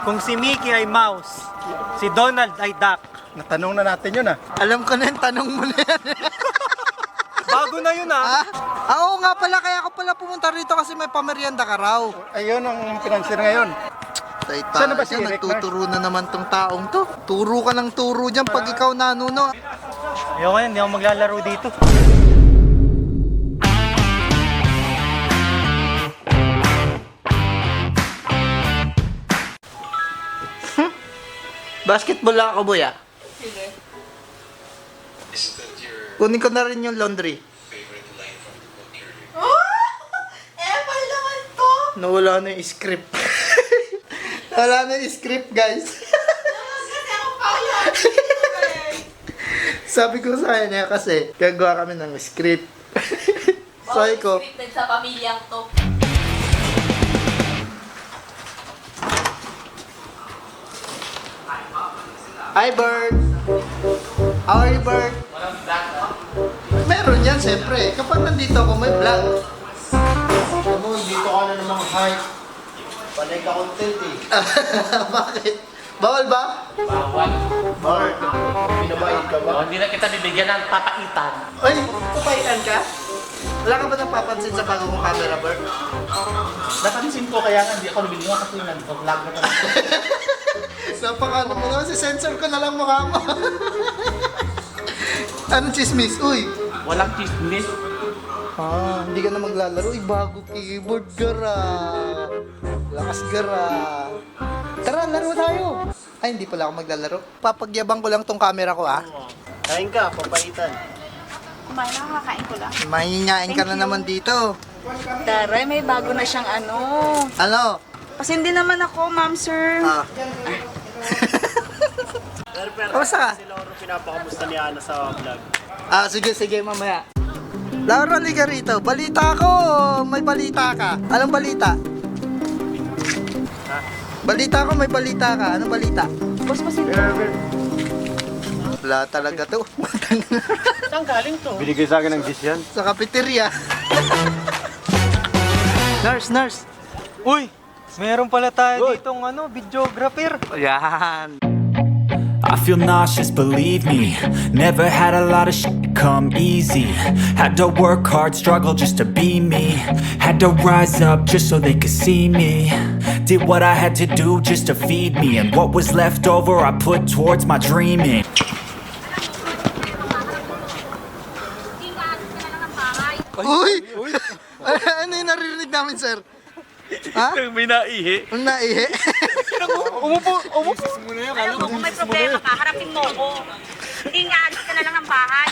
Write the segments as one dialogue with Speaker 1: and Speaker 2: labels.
Speaker 1: Kung si Mickey ay mouse, si Donald ay duck.
Speaker 2: Natanong na natin yun ah.
Speaker 3: Alam ko na yung tanong mo na yan.
Speaker 1: Bago na yun ah.
Speaker 3: Oo nga pala, kaya ako pala pumunta rito kasi may pamerienda ka raw.
Speaker 2: Ayun ang financier ngayon.
Speaker 3: Saan
Speaker 2: na ba si Eric,
Speaker 3: nagtuturo na naman tong taong to. Turo ka ng turo dyan pag ikaw nanuno.
Speaker 1: Ayoko yan, hindi ako maglalaro dito.
Speaker 3: Basketball lang ako, boy, ah. Kunin ko na rin yung laundry.
Speaker 4: Ewan naman to!
Speaker 3: Nawala na yung script. Nawala na yung script, guys.
Speaker 4: Kasi ako kaya.
Speaker 3: Sabi ko sa kanya kasi, gagawa kami ng script. Sabi ko,
Speaker 4: Scripted sa pamilyang to.
Speaker 3: "Hi, Bert! How are you, Bert?" Meron yan, siyempre. Kapag nandito ako, may vlog.
Speaker 2: Alam mo, dito ka na namang hype. Panay ka content eh.
Speaker 3: Bakit? Bawal ba?
Speaker 2: Bart, pinabayad ka ba?
Speaker 5: Hindi na kita bibigyan ng papaitan.
Speaker 3: Ay, papaitan ka? Wala ka ba napapansin sa bago mong camera, Bert?
Speaker 5: Napansin ko kaya nga hindi ako lumiliwa kasi nag-vlog na kami.
Speaker 3: Napakano mo naman, sensor ko na lang mukha mo. Anong chismis? Uy!
Speaker 5: Walang chismis.
Speaker 3: Hindi ka na maglalaro. Uy, bago keyboard, gara. Lakas, gara. Tara, laro tayo. Ay, hindi pala ako maglalaro. Papagyabang ko lang tong camera ko, ah.
Speaker 2: Kain ka, papaitan.
Speaker 4: Kumain na, kakain ko lang.
Speaker 3: Mahinyain ka na naman dito.
Speaker 4: Taray, may bago na siyang ano.
Speaker 3: Ano?
Speaker 4: Kasi hindi naman ako, ma'am, sir.
Speaker 3: Kamusta ka?
Speaker 2: Si Lauro pinapakamusta ni Ana sa vlog.
Speaker 3: Sige, mamaya. Laura, liga rito. Balita ko. May balita ka. Anong balita? Balita ko, may balita ka. Anong balita?
Speaker 4: Boss, pasensya.
Speaker 3: Wala talaga to.
Speaker 5: Saan galing to?
Speaker 1: Binigay sa akin ng dish yan.
Speaker 3: Sa cafeteria. Nurse.
Speaker 1: Uy, meron pala tayo ditong videographer.
Speaker 3: Yan.
Speaker 6: I feel nauseous, believe me. Never had a lot of shit come easy. Had to work hard, struggle just to be me. Had to rise up just so they could see me. Did what I had to do just to feed me. And what was left over I put towards my dreaming.
Speaker 3: Uy! Ano yung naririnig namin, sir? Ha?
Speaker 5: May naihi.
Speaker 3: Ang naihi?
Speaker 1: Umupo.
Speaker 7: Alam mo, kung may problema ka, harapin mo ko. Hindi nga, alis ka na lang ng bahay.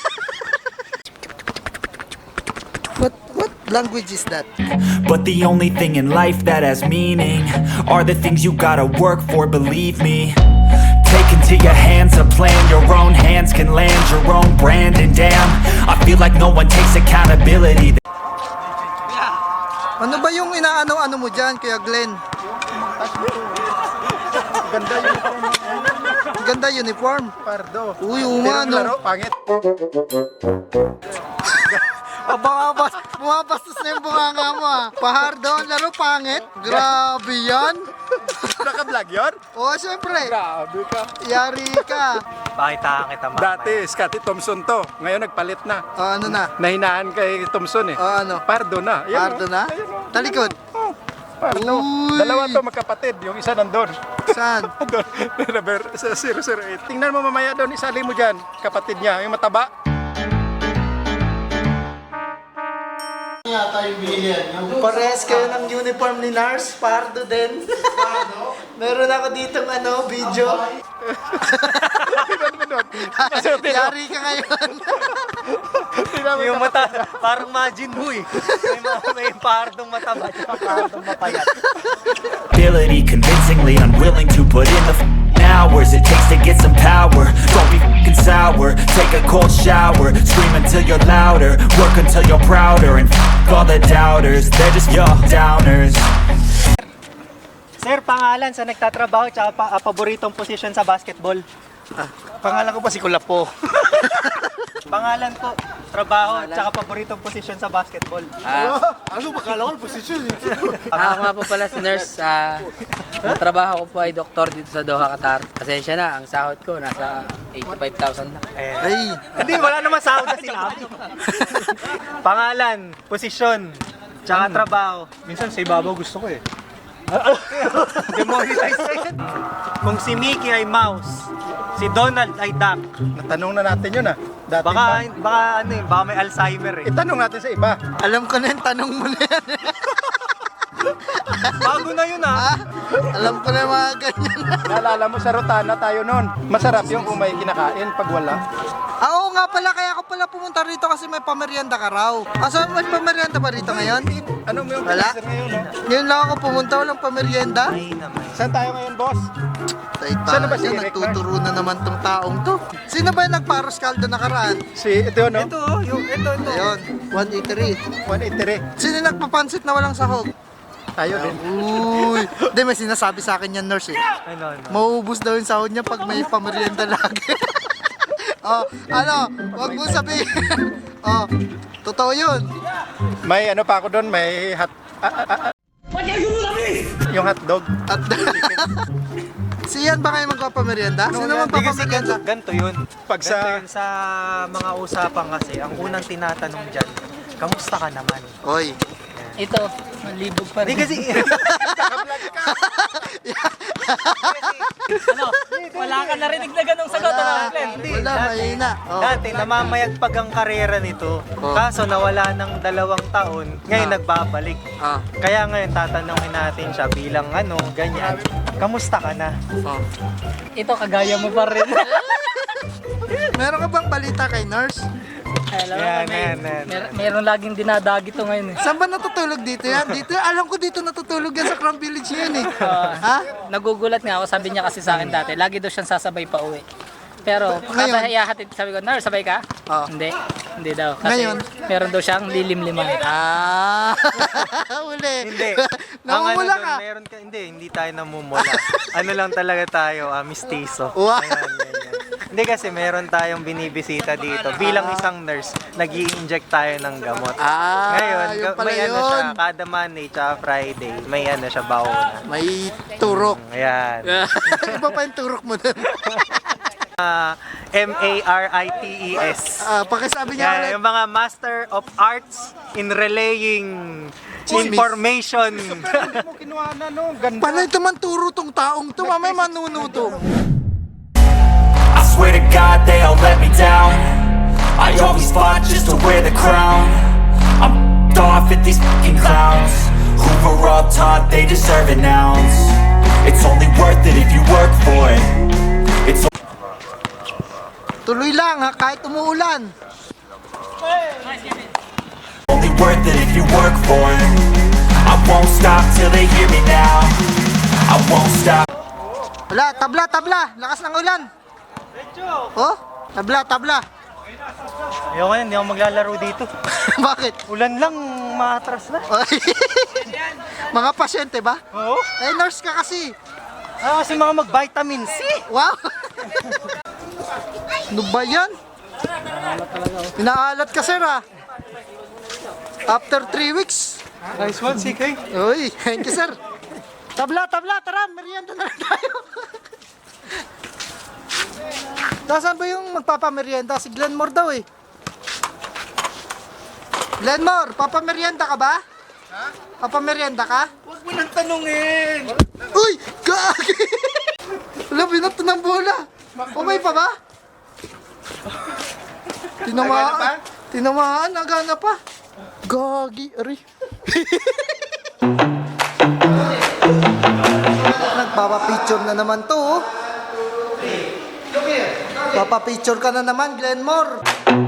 Speaker 3: What language is that?
Speaker 6: But the only thing in life that has meaning are the things you gotta work for, believe me. Take into your hands a plan, your own hands can land your own brand. And damn, I feel like no one takes accountability.
Speaker 3: Ano ba yung inaano-ano mo dyan, Kuya Glenn? Ganda uniform.
Speaker 2: Pardo.
Speaker 3: Uy,
Speaker 2: Pero laro,
Speaker 3: umano.
Speaker 2: pangit.
Speaker 3: Bumabastos na yung bunganga mo, ah. Pahardo, ang laro pangit. Grabe yan.
Speaker 2: Naka-vlog yun?
Speaker 3: Oo, syempre.
Speaker 2: Grabe ka.
Speaker 3: Yari ka.
Speaker 1: Pakita kita mamaya.
Speaker 2: Dati, Scotty Thompson to. Ngayon nagpalit na.
Speaker 3: Ano na?
Speaker 2: Nahinaan kay Thompson eh.
Speaker 3: Ano?
Speaker 2: Pardo na. Ayan,
Speaker 3: Pardo na? Talikod.
Speaker 2: Pardo.
Speaker 3: Uy.
Speaker 2: Dalawa to magkapatid. Yung isa nandun.
Speaker 3: Saan?
Speaker 2: Doon, sa 008. Tingnan mo mamaya doon, isali mo dyan. Kapatid niya, yung mataba.
Speaker 3: Parehas kayo ng uniform ni Nars. Pardo din. Meron ako ditong video.
Speaker 2: Tingnan mo doon.
Speaker 3: Yari ka ngayon.
Speaker 1: Yung mata, parang Majin Buu eh. May pardong mataba at pardong mapayat.
Speaker 6: Ability convincingly unwilling to put in the hours it takes to get some power. Don't be fucking sour. Take a cold shower. Scream until you're louder. Work until you're prouder. And all the doubters, they're just your downers.
Speaker 1: Sir, pangalan sa nagtatrabaho tsaka paboritong position sa basketball.
Speaker 3: Pangalan ko pa si Kulapo.
Speaker 1: Pangalan po. trabaho, tsaka paboritong posisyon sa basketball.
Speaker 2: Ano ba kala ko posisyon?
Speaker 8: Ako nga po pala si nurse. Ang trabaho ko po ay doktor dito sa Doha, Qatar. Pasensya na, ang sahod ko nasa 85,000 na.
Speaker 3: Ay,
Speaker 1: Hindi, wala naman sahod na sinabi. Pangalan, posisyon, tsaka trabaho.
Speaker 2: Minsan sa ibabaw gusto ko eh.
Speaker 1: Demonetize na yan. Kung si Mickey ay mouse, si Donald ay duck.
Speaker 2: Natanong na natin yun ah. Dati
Speaker 1: Baka may Alzheimer eh.
Speaker 2: Itanong natin sa iba.
Speaker 3: alam ko na yung tanong mo na yan.
Speaker 1: Bago na yun ah.
Speaker 3: Alam ko na yung mga ganyan.
Speaker 2: Naalala mo sa Rotana tayo noon. Masarap yung kung may kinakain pag wala.
Speaker 3: Oo nga pala, kaya ako pala pumunta rito kasi may pamerienda ka raw. Asa may pamerienda ba rito ngayon?
Speaker 2: Ano mo yung
Speaker 3: Wala.
Speaker 2: pinasa ngayon no?
Speaker 3: Ngayon lang ako pumunta, walang pamerienda.
Speaker 1: Ay naman.
Speaker 2: Saan tayo ngayon, boss?
Speaker 3: Saan
Speaker 2: ba si Eric,
Speaker 3: nagtuturo na naman tong taong to. Sino ba yung nagparos kaldo nakaraan?
Speaker 2: Si ito no?
Speaker 1: Ito, ito.
Speaker 3: Ayun, 183.
Speaker 2: 183.
Speaker 3: Sino yung nagpapansit na walang sahog?
Speaker 2: Tayo din.
Speaker 3: Uy, hindi may sinasabi sa akin yan nurse eh.
Speaker 1: Ano.
Speaker 3: Mauubos daw yung sahod niya pag may pamerienda lagi. Oh, ano, wag mo sabihin. Oh, totoo yun.
Speaker 2: May ano pa ako doon, may yung hotdog.
Speaker 3: At siyan ba kayo magpapamerienda? Sino
Speaker 1: Hindi kasi
Speaker 3: magpapamerienda?
Speaker 1: ganito yun.
Speaker 2: Pag
Speaker 1: Ganito
Speaker 2: sa
Speaker 1: yun sa mga usapan kasi, ang unang tinatanong dyan, kamusta ka naman?
Speaker 3: Oy,
Speaker 8: Ito, malibog pa
Speaker 1: Hindi
Speaker 8: rin.
Speaker 1: kasi,
Speaker 8: Ano? Wala ka narinig na ganong sagot, ano, Glenn?
Speaker 3: wala, mahina. Oh.
Speaker 1: dati namamayagpag ang karera nito.
Speaker 3: Oh.
Speaker 1: Kaso nawala ng 2 taon, ngayon nagbabalik.
Speaker 3: Ah,
Speaker 1: Kaya ngayon tatanungin natin siya bilang ano, ganyan. Kamusta ka na?
Speaker 3: oh.
Speaker 8: Ito, kagaya mo pa rin.
Speaker 3: Meron ka bang balita kay nurse?
Speaker 8: Alam mo,
Speaker 1: Yan,
Speaker 8: may,
Speaker 1: yan.
Speaker 8: meron laging dinadagi to ngayon eh.
Speaker 3: Saan ba natutulog dito yan? Dito, alam ko dito natutulog yan sa Crown Village yan eh. Ha?
Speaker 8: Nagugulat nga ako, sabi niya kasi sa akin dati, lagi daw siyang sasabay pa uwi. Pero
Speaker 3: Ngayon?
Speaker 8: kakahiyahatid, sabi ko, nurse, sabay ka?
Speaker 3: Oo.
Speaker 8: Hindi daw. Kasi
Speaker 3: Ngayon?
Speaker 8: meron daw siyang lilim-liman.
Speaker 3: Ah, uli.
Speaker 1: Hindi.
Speaker 3: Namumula ka.
Speaker 1: Hindi tayo namumula. Ano lang talaga tayo, mistiso.
Speaker 3: Wow.
Speaker 1: Ayan, ganyan. Hindi kasi meron tayong binibisita dito. Bilang isang nurse, nag-i-inject tayo ng gamot.
Speaker 3: Ah,
Speaker 1: Ngayon,
Speaker 3: yun pala
Speaker 1: may ano
Speaker 3: yun.
Speaker 1: siya, kada Monday tsaka Friday, may ano siya, baon.
Speaker 3: May turok.
Speaker 1: Ayan.
Speaker 3: Iba pa yung turok mo dun.
Speaker 1: MARITES.
Speaker 3: Pakisabi niya
Speaker 1: Yan,
Speaker 3: ulit.
Speaker 1: yung mga Master of Arts in Relaying
Speaker 3: Chismis.
Speaker 1: Information.
Speaker 2: Hindi mo kinuha na no, ganda.
Speaker 3: Panay naman turo tong taong to, mamay manunuto.
Speaker 6: I swear to God they all let me down. I always fought just to wear the crown. I'm off at these fucking clowns who were all taught they deserve an ounce. It's only worth it if you work for it. It's
Speaker 3: Tuloy lang ha, kahit umuulan.
Speaker 6: only worth it if you work for it. I won't stop till they hear me now. I won't stop.
Speaker 3: Wala, tabla, lakas ng ulan. Oh, tabla.
Speaker 1: Ayoko yan, hindi ako maglalaro dito.
Speaker 3: Bakit?
Speaker 1: Ulan lang, maatras na.
Speaker 3: Oy. Mga pasyente ba?
Speaker 1: Oo.
Speaker 3: Eh, nurse ka kasi.
Speaker 1: Kasi mga mag-vitamin C.
Speaker 3: Wow! Ano ba yan? Pinaalat ka, sir, ah. After 3 weeks.
Speaker 1: Nice one, CK.
Speaker 3: Uy, thank you, sir. Tabla, tara, merienda na lang tayo. Nasaan ba yung magpapamerienda? Si Glenmore daw eh. Glenmore, papamerienda ka ba? Ha? Papamerienda ka?
Speaker 2: Huwag mo nang tanungin.
Speaker 3: Uy! Gagi! Wala, binato ng bola. Umay pa ba? Tinamaan. Tinamaan, nagana pa. Gagi, ari. Nagpapapicture na naman to, oh. Papapicture ka na naman, Glenmore.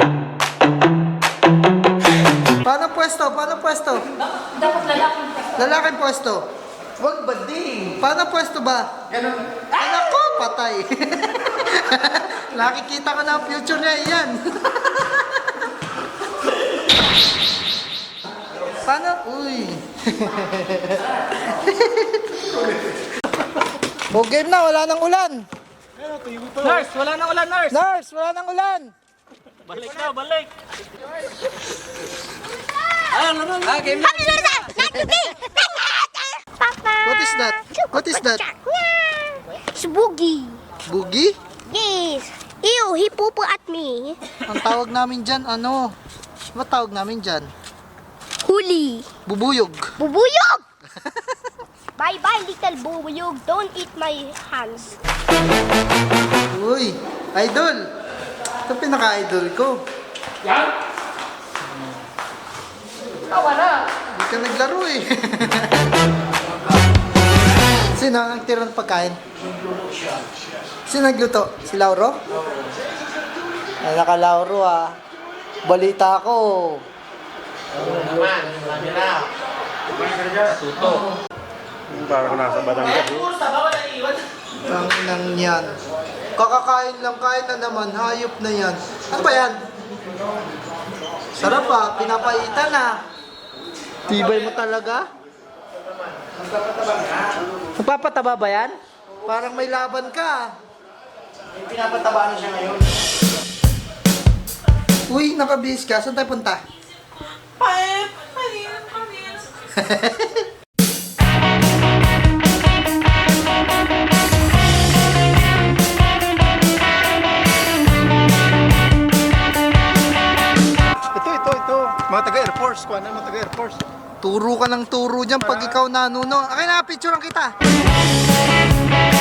Speaker 3: Paano pwesto?
Speaker 7: Dapat lalaki.
Speaker 3: Lalaking pwesto. Wag bading. Paano pwesto ba? Ganun. Anak ko, patay. Nakikita ko na ang future niya, yan. Paano? Uy. O game na, wala nang ulan.
Speaker 8: Nurse, wala nang ulan, nurse!
Speaker 3: Nurse, wala nang ulan.
Speaker 5: Balik na, balik!
Speaker 8: Game na!
Speaker 3: What is that? What is that?
Speaker 9: It's boogie.
Speaker 3: Boogie?
Speaker 9: Yes. Ew, he pooped at me.
Speaker 3: Ang tawag namin dyan, ano? Ano tawag namin dyan?
Speaker 9: Huli.
Speaker 3: Bubuyog.
Speaker 9: Bubuyog! Bye-bye, little bubuyog. Don't eat my hands.
Speaker 3: Uy, idol. Ito pinaka-idol ko.
Speaker 2: Yan?
Speaker 3: Hindi ka naglaro eh. Sino ang tirang pagkain? Sino nagluto? Si Lauro? Ay, naka-Lauro ah. Balita ko.
Speaker 2: Parang nasa Batangas.
Speaker 3: Ang inang yan. Kakakain lang, kain na naman. Hayop na yan. Ano ba yan? Sarap ah. Pinapaitan ah. Tibay mo talaga? Nagpapataba ba yan? Parang may laban ka.
Speaker 5: Pinapataba na siya ngayon.
Speaker 3: Uy, nakabihis ka. Saan tayo punta?
Speaker 2: Ito. Mga taga-Air Force. Kuha na mga taga-Air Force.
Speaker 3: Turo ka ng turo dyan pag ikaw nanuno. Akin na, picturean kita.